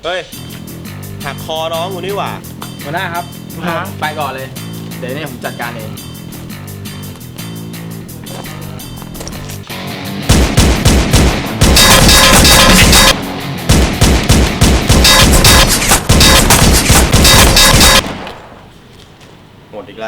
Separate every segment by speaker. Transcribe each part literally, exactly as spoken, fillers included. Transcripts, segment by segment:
Speaker 1: เฮ้ยหักคอน้องกูนี่หว่า
Speaker 2: หัวหน้าครับไปก่อนเลยเดี๋ยวเนี่ยผมจัดการเอง
Speaker 1: หมดอีกแล้ว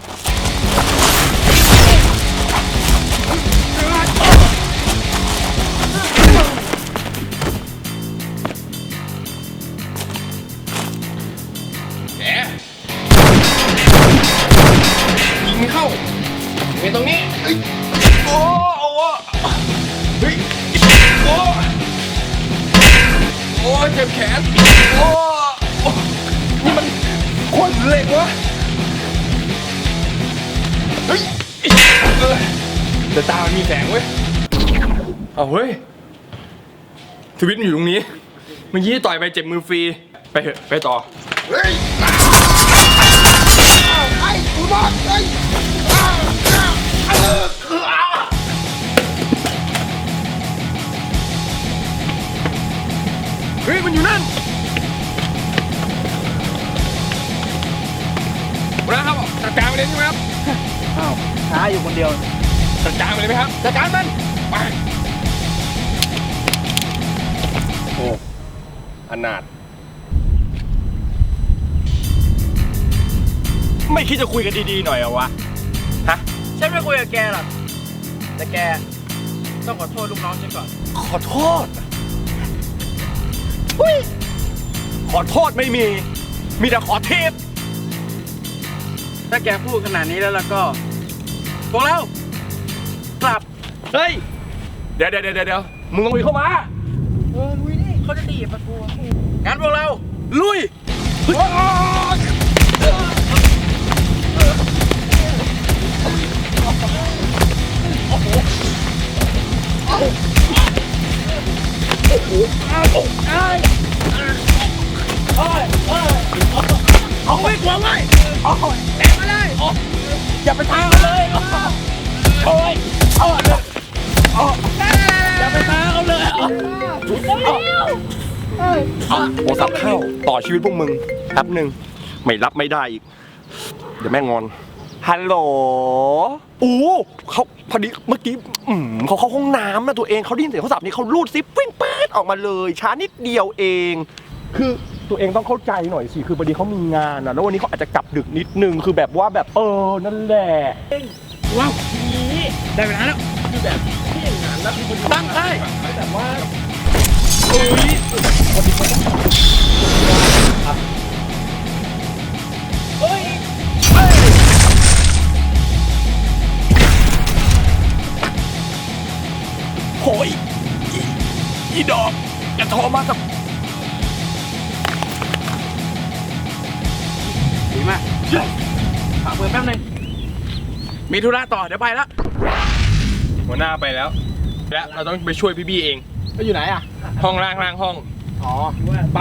Speaker 2: ยิงเข้าเป็นตรงนี้โอ้โอ้เฮ้ยโอ้โอ้เจ็บแขนโอ้นี่มันขนเหล็กวะเฮ้ยแต่ตามันมีแสงเว้ยเอาเฮ้ยชีวิตมันอยู่ตรงนี้เมื่อกี้ต่อยไปเจ็บมือฟรีไปเถอะไปต่อเฮ้ยไอ้กูบอกไอ้เฮ้ยมันอยู่นั่นนะครับจัดการไปเลยใช่ไหมครับอ้าวช้าอยู่คนเดียวจัดการไปเลยไหมครับจัดการมันไปโอ้อนาถไม่คิดจะคุยกันดีๆหน่อยเหรอวะฮะฉันไม่คุยกับแกหรอกแต่แกต้องขอโทษลูกน้องฉันก่อนขอโทษอุ้ยขอโทษไม่มีมีแต่ขอเทปถ้าแกพูดขนาดนี้แล้วแล้วก็พวกเรากลับเฮ้ยเดี๋ยวเดี๋ยวเดี๋ยวเดี๋ยวมึงลงไปเข้ามาเออลุยดิเขาจะตีประตูงั้นพวกเราลุยเอาไว้กลัวไว้แตะมาเลยอย่าไปท้าเขาเลยโอ้ยอย่าไปท้าเขาเลยโทรศัพท์เข้าต่อชีวิตพวกมึงแป๊บหนึ่งไม่รับไม่ได้อีกเดี๋ยวแม่งอนฮัลโหลอู้เขาพอดีเมื่อกี้อืมเขาเข้าห้องน้ำนะตัวเองเขาได้ยินเสียงโทรศัพท์นี้เขาลูดซิปปิ้งป๊ดออกมาเลยช้านิดเดียวเองคือตัวเองต้องเข้าใจหน่อยสิคือพอดีเขามีงานนะแล้ววันนี้เขาอาจจะกลับดึกนิดนึงคือแบบว่าแบบเออนั่นแหละว้าวนี้ได้เวลาแล้วคือแบบที่งานแล้วคือตั้งได้แต่ว่าเอ้ยพอดีเขาครับเฮ้ยโอ้ยอีดอกอย่าโทรมากับดีมากฝากเปิดแป๊บนึงมีธุระต่อเดี๋ยวไปแล้วหัวหน้าไปแล้วและเราต้องไปช่วยพี่บี้เองก็อยู่ไหนอ่ะห้องล่างล่างห้องอ๋อไป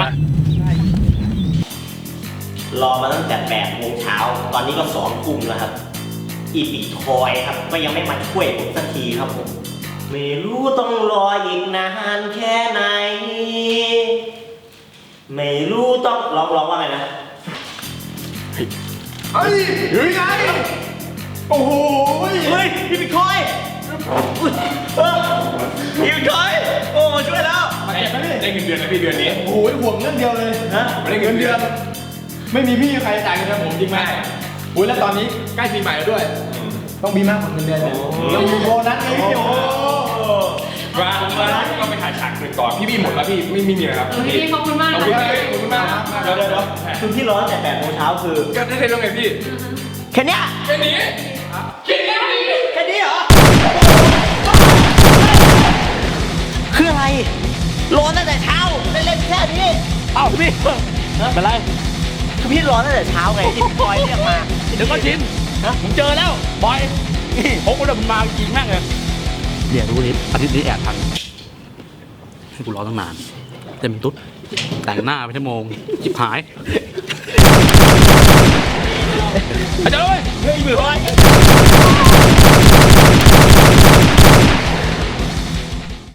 Speaker 1: รอมาตั้งแต่แปดโมงเช้าตอนนี้ก็สองทุ่มแล้วครับอีปีทอยครับก็ยังไม่มาช่วยผมสักทีครับผมไม่รู้ต้องรออีกนานแค่ไหนไม่รู้ต้องร้องร้องว่าไงนะ
Speaker 2: เฮ้ยอยู่ไงโอ้โห
Speaker 1: เฮ้ยพี่ปีทอยพี่ปีทอยโอ้ช่วยแล้ว
Speaker 2: มาเก็บไหมได้เงินเดือนนะพี่เดือนนี้โอ้โหห่วงเงินเดียวเลยนะไม่ได้เงินเดือนไม่มีพี่ใครจ่ายเงินเดือนผมจริงไหมโอ้ยแล้วตอนนี้ใกล้ปีใหม่แล้วด้วยต้องมีมากกว่าเงินเดือนเนี่ยเรามีโบนัสไงพี่โอ้มามาก็ไปถ่ายฉากหนึ่งก่อนพี่บี้หมดแล้วพี่ไม่มีอะไรครับ
Speaker 3: พี่ขอบคุณมาก
Speaker 2: ขอบคุณมากขอบคุณมาก
Speaker 1: เดี๋ยวเดี๋ยวคือที่ร้อนแต่แปดโมงเช้าคือ
Speaker 2: ก็ได้เรื่องไงพี่
Speaker 1: แค่นี้
Speaker 2: แค่นี้แค่นี้
Speaker 1: แค่นี้เหรอคืออะไรร้อนตั้งแต่เช้าเล่นแค่นี้
Speaker 2: เอ้าพี่เป็นไร
Speaker 1: คือพี่ร้อนตั้งแต่เช้าไงที่พี่บอยเรียกมา
Speaker 2: เดี๋ยวก็ชินผมเจอแล้วบอยผมก็เดินมาจริงแม่งเลย
Speaker 4: เดี๋ยวรู้นิดอาทิตย์นี้แอบทันให้กูรอตั้งนานเต็มตุ๊ดแต่งหน้าไปชั่วโมงจิบหาย
Speaker 2: อาจารย์เลยเฮ้ยมือไว้